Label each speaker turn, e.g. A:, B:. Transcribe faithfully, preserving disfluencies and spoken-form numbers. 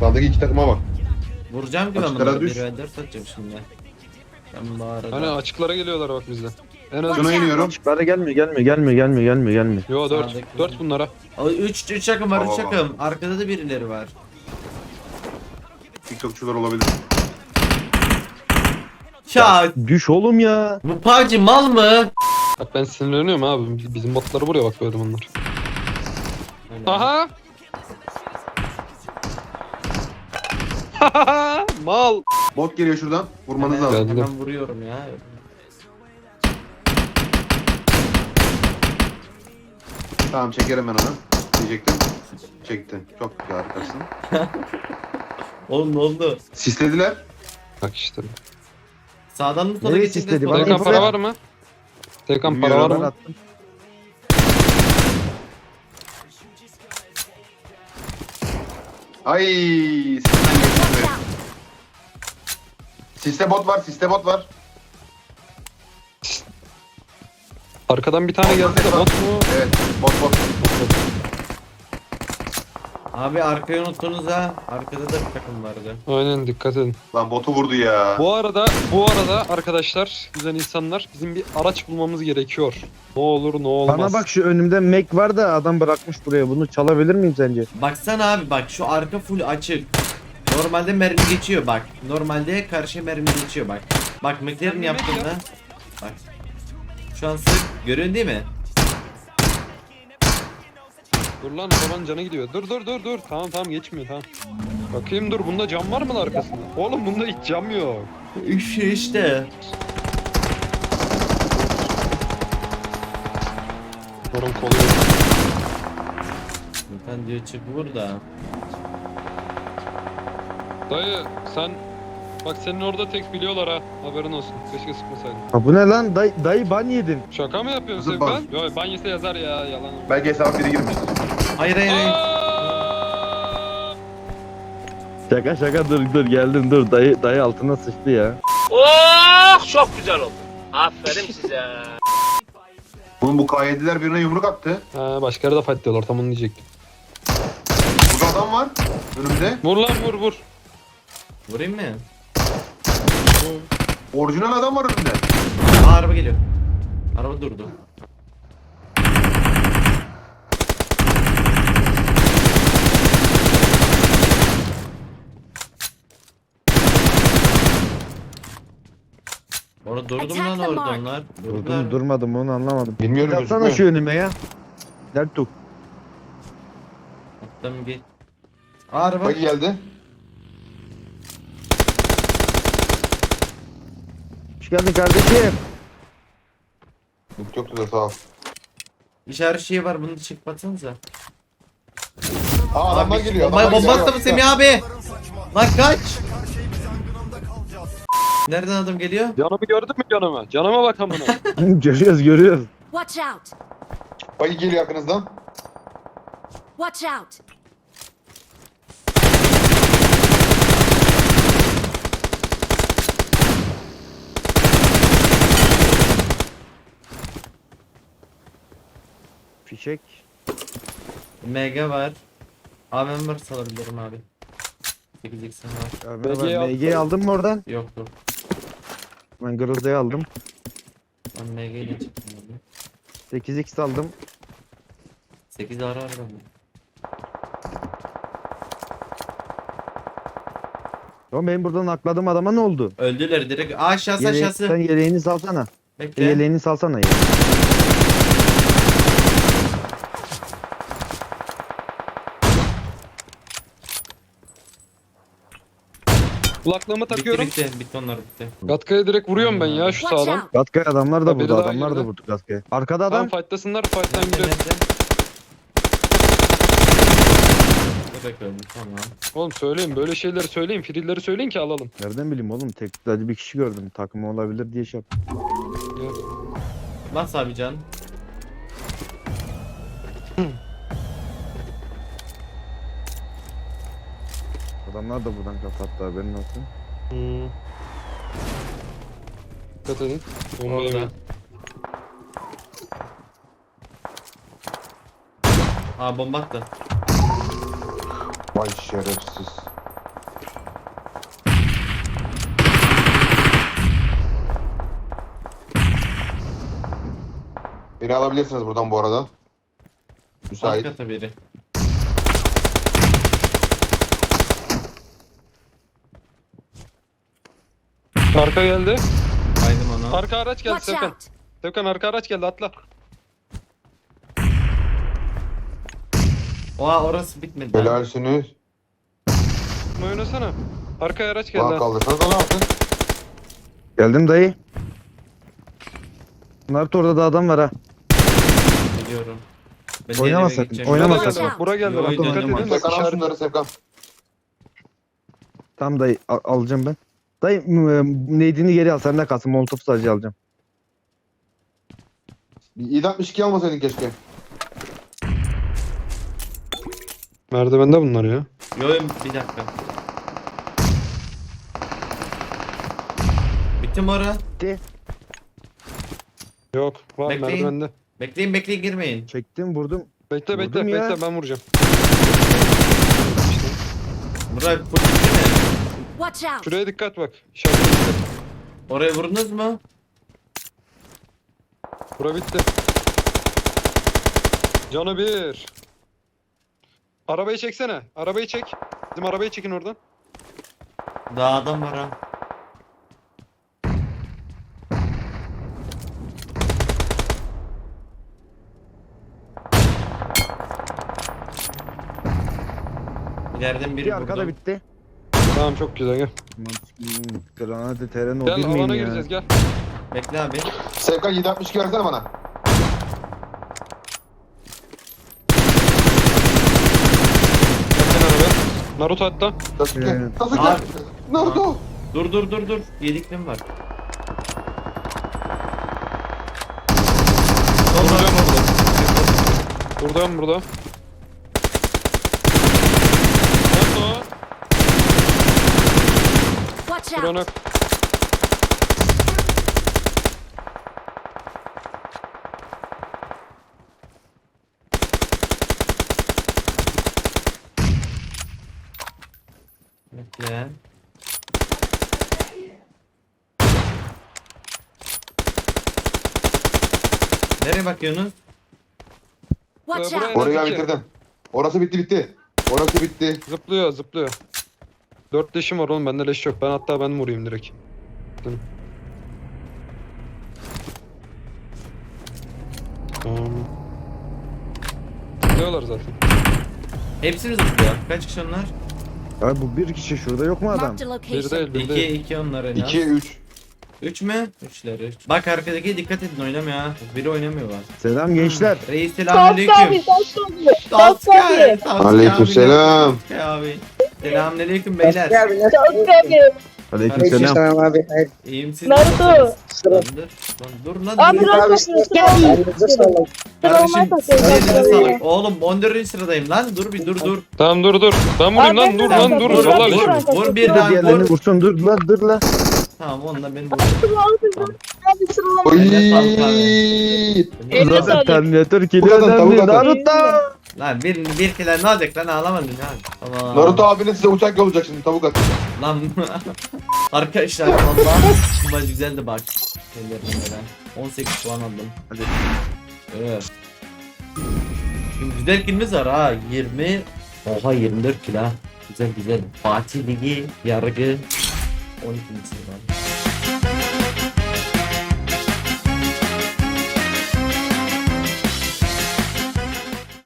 A: Sağdaki iki takıma bak.
B: Vuracağım ki ben
A: Açıklara
B: bunları.
A: düş.
B: bir ve dört atacağım şimdi. Ben bu arada.
C: Hani açıklara geliyorlar bak bizden. En az
A: Şuna iniyorum.
D: Açıklara gelmiyor gelmiyor gelmiyor gelmiyor gelmiyor gelmiyor.
C: Yo dört.
B: Sağdaki-
C: dört bunlara.
B: üç üç takım var, üç
A: Tamam.
B: takım. Arkada da birileri var.
A: TikTokçular olabilir.
B: Ya
D: Düş oğlum ya.
B: bu P U B G mal mı?
C: Bak ben sinirleniyorum abi. Bizim botları buraya bak böyle bunlar. Aha! Mal.
A: Bot geliyor şuradan. Vurmanız
B: Hemen,
A: lazım.
C: Geldi.
B: hemen vuruyorum ya.
A: Tamam çekerim ben onu. Diyecektim. Çektim. Çok güzel, harikasın.
B: Oğlum ne oldu?
A: Sislediler.
C: Bak işte.
B: Sağdan mı sola
D: Nereye
B: geçince
D: sisledi?
B: sola
D: Bana
C: Tekan
B: geçince-
C: para var mı? Tekan para var
A: Bilmiyorum,
D: Ben
C: mı?
D: attım.
A: Ay, sistem geçti. Siste bot var, siste bot var.
C: Arkadan bir tane geldi de bot mu?
A: Evet, bot bot.
B: Abi arkayı unuttunuz ha. Arkada da bir takım vardı.
C: Aynen dikkat edin.
A: Lan botu vurdu ya.
C: Bu arada bu arada arkadaşlar güzel insanlar bizim bir araç bulmamız gerekiyor. Ne olur ne olmaz.
D: Bana bak şu önümde Mac var da adam bırakmış buraya. Bunu çalabilir miyim sence?
B: Baksana abi bak şu arka full açık. Normalde mermi geçiyor bak. Normalde karşı mermi geçiyor bak. Bak McLaren yaptığında. Bak. Şu an sık. Görüyorsun değil mi?
C: Dur lan falan canı gidiyor. Dur dur dur dur. Tamam tamam geçmiyor tamam. Bakayım dur bunda cam var mı lan arkasında? Oğlum bunda hiç cam yok.
B: Üç işte.
C: Sorun kolu yok.
B: Ben diyor çık burada.
C: Dayı sen bak senin orada tek biliyorlar ha. Haberin olsun. Keşke sıkmasaydın.
D: Ha bu ne lan? Dayı, dayı ban yedim.
C: Şaka mı yapıyorsun
A: Nasıl
C: sen? Yok banyese yazar ya yalan.
A: Belki hesaba biri girmiştir.
B: Hayır hayır hayır.
C: Aa!
D: Şaka şaka dur dur geldim dur. Dayı, dayı altına sıçtı ya.
E: Oh çok güzel oldu. Aferin size.
A: Bunun bu K yediler birine yumruk attı.
C: Ha, başka yerde fight diyorlar tam onu diyecektim.
A: Burada adam var. Önümde.
C: Vur lan vur vur.
B: Vurayım mı?
A: Orijinal adam var önümde.
B: Aa, araba geliyor. Araba durdu. Orada durdu mu lan orada onlar? Durdular.
D: Durdum durmadım onu anlamadım.
A: Bilmiyorum,
D: Yapsana
A: gözükmüyor.
D: şu önüme ya. Dertuk.
B: Attım git. Aa, araba.
A: Bak geldi.
D: Hoş geldin kardeşim.
A: Yok yoktu da sağ ol.
B: İşaret şeyi var bunu çıkmatsanıza.
A: Aa adamlar geliyor.
B: Bomba,
A: adamlar
B: bomba
A: geliyor.
B: attı mı Semih abi? Lan kaç. Nereden adam geliyor?
C: Canımı gördün mü canımı? Canıma bak amına.
D: görüyoruz görüyoruz.
F: Watch out!
A: Bak geliyor yakınızdan.
F: Watch out!
D: Fişek.
B: M G var. A V M var salabilirim abi. sekiz x'im var.
D: Ya
C: B G'yi
D: ben
C: al.
D: M G'yi aldın mı oradan?
B: Yoktu.
D: Ben Grozda'yı aldım.
B: Ben M G ile çıktım abi.
D: sekiz x aldım.
B: sekiz ara var bende.
D: Oğlum benim buradan akladığım adama ne oldu?
B: Öldüler direkt. Aa, aşağısı
D: Yeleği-
B: aşağısı.
D: sen yeleğini salsana.
B: Bekle.
D: Yeleğini salsana ya.
C: Kulaklığımı
B: Bitti
C: takıyorum.
B: bitti. Bitti onlar bitti.
C: Gatkaya direkt vuruyorum ben ya şu
F: Watch
C: sağdan.
F: out!
D: Gatkaya adamlar da
C: Ha, biri
D: vurdu.
C: daha
D: Adamlar da
C: girdi.
D: vurdu Gatkaya. Arkada
C: Tamam
D: adam.
C: fightlasınlar fight'tan
B: Nerede,
C: gireriz.
B: nerede? Bebek öldü tamam.
C: Oğlum söyleyin böyle şeyleri söyleyin. Frilleri söyleyin ki alalım.
D: Nereden bileyim oğlum? Tek sadece bir kişi gördüm. Takımı olabilir diye şey yaptım.
B: Bas abi can.
D: Adamlar da buradan kapattı haberin olsun.
C: Hmm. Dikkat edin. Bomba
B: Orada.
C: yemeyin.
B: Aa bomba attı.
A: Vay şerefsiz. Beni alabilirsiniz buradan bu arada. Müsait.
B: Alt kata biri.
C: Arka geldi.
B: Baydım onu.
C: Arka araç geldi
F: Watch
C: Sevkan.
F: out!
C: Sevkan arka araç geldi atla.
B: Oha orası bitmedi. lan.
A: Helalsiniz.
C: Bunu oynasana. Arkaya araç geldi.
A: Bana
C: ha.
A: kaldırsanız da ne yaptın?
D: Geldim dayı. Naruto orada da adam var ha.
B: Biliyorum. Ben de
D: Oynama
B: eve
D: sakın,
B: gideceğim.
D: oynama
C: Bura
B: Yok,
C: geldi bak. Bura geldi
B: Yo,
C: bak.
B: oynama,
C: Dikkat
B: oynama.
C: edin. Bak
A: Sevkan al
C: işaret.
A: şunları Sevkan.
D: Tamam dayı al- alacağım ben. Dayı m- neydini geri al, senden kalsın. Molotof sadece alacağım.
A: yedi altmış iki almasaydın keşke.
C: Merdivende bunlar ya.
B: Yo yo, bir dakika. Bitti mi ora?
C: Yok. Var
B: Bekleyin.
C: merdivende.
B: Bekleyin bekleyin girmeyin.
D: Çektim vurdum.
C: Bekle bekle
D: Vurdum ya.
C: bekle ben vuracağım.
B: Buraya full bitti mi?
F: Watch out!
C: Şuraya dikkat bak. İşaretine dikkat.
B: Oraya vurdunuz mu?
C: Bura bitti. Canı bir. Arabayı çeksene. Arabayı çek. Bizim arabayı çekin oradan.
B: Daha adam var ha. İleriden biri
D: Bir arkada
B: vurdu.
D: bitti.
C: Tamam çok güzel gel.
D: Granate teren o
C: Gel
D: bir miyim
C: alana
D: ya?
C: gireceğiz gel.
B: Bekle abi.
A: Sevkan yedi altmış iki versene bana.
C: Gelsene arabaya. Naruto hatta.
A: Sasuke.
D: Evet.
A: Sasuke.
B: Abi.
A: Naruto.
B: Dur dur dur dur. Yediklim var.
C: Vuracağım orada. Buradan burada. Naruto.
F: Watch out!
C: Buranı.
B: Bekle. Nereye bakıyorsunuz?
F: Watch
C: Ee, buraya-
F: out!
A: Orayı
C: iki.
A: bitirdim. Orası bitti bitti. Orası bitti.
C: Zıplıyor zıplıyor. Dört leşim var oğlum bende leş yok. Ben hatta ben vurayım direkt. Dur. Tamam. Zıplıyorlar zaten.
B: Hepsi mi zıplıyor? Kaç kişi onlar?
D: Abi bu bir kişi, şurada yok mu adam?
F: Marked a
C: Bir
F: location.
C: değil bir
B: İki,
C: değil.
B: iki onlar en az.
A: ikiye üç.
B: Üç mü? Üçler üç. Bak arkadaki dikkat edin oynamıyor ha. Biri oynamıyor bak.
D: Selam gençler.
B: Reis
G: Dost
B: selamünaleyküm.
G: abi, dost abi. Dost
B: Sasuke.
G: abi.
B: Sasuke
A: Aleykümselam.
B: abi. Sasuke abi. Selamünaleyküm beyler.
G: Dost abi.
D: Aleykümselam.
H: Tamam abi. Hayır.
B: İyiyim siz
G: Naruto.
B: nasılsınız? Lan dur. Lan dur lan.
G: Abi
B: dur.
G: dost abi.
H: Elinize sağlık.
B: Kardeşim
G: Sıralama
B: elinize
G: takıyorum.
B: sağlık. Oğlum on dördüncü sıradayım lan. Dur bir dur dur.
C: Tamam dur dur. Ben vurayım
G: Abi,
C: lan dur
G: ben
C: lan
G: de
C: dur.
B: Vur,
C: Vallahi
B: vur,
C: leşim.
B: vur, vur bir
D: Dur
B: daha
D: diğerlerini
B: vur.
D: vursun, dur la dur la.
B: Tamam onunla beni vur.
G: Abi sıralama.
A: Oy.
G: Eline
D: Zaten
G: sağlık.
D: Terminator
A: Bu
D: geliyor
A: kadar,
D: önemli.
A: bu kadar.
D: Naruto.
B: Lan bir bir kere ne olacak lan ağlamadın lan. Tamam.
A: Naruto abinin size uçak yollayacak şimdi tavuk at.
B: Lan arkadaşlar valla bu maç güzeldi bak. Ellerine böyle. on sekiz puan aldım.
D: Hadi.
B: Evet. Şimdi güzel kilimiz var ha. yirmi. Oha yirmi dört kilo ha. Güzel güzel. Fatih Ligi yargı on ikinci sırada.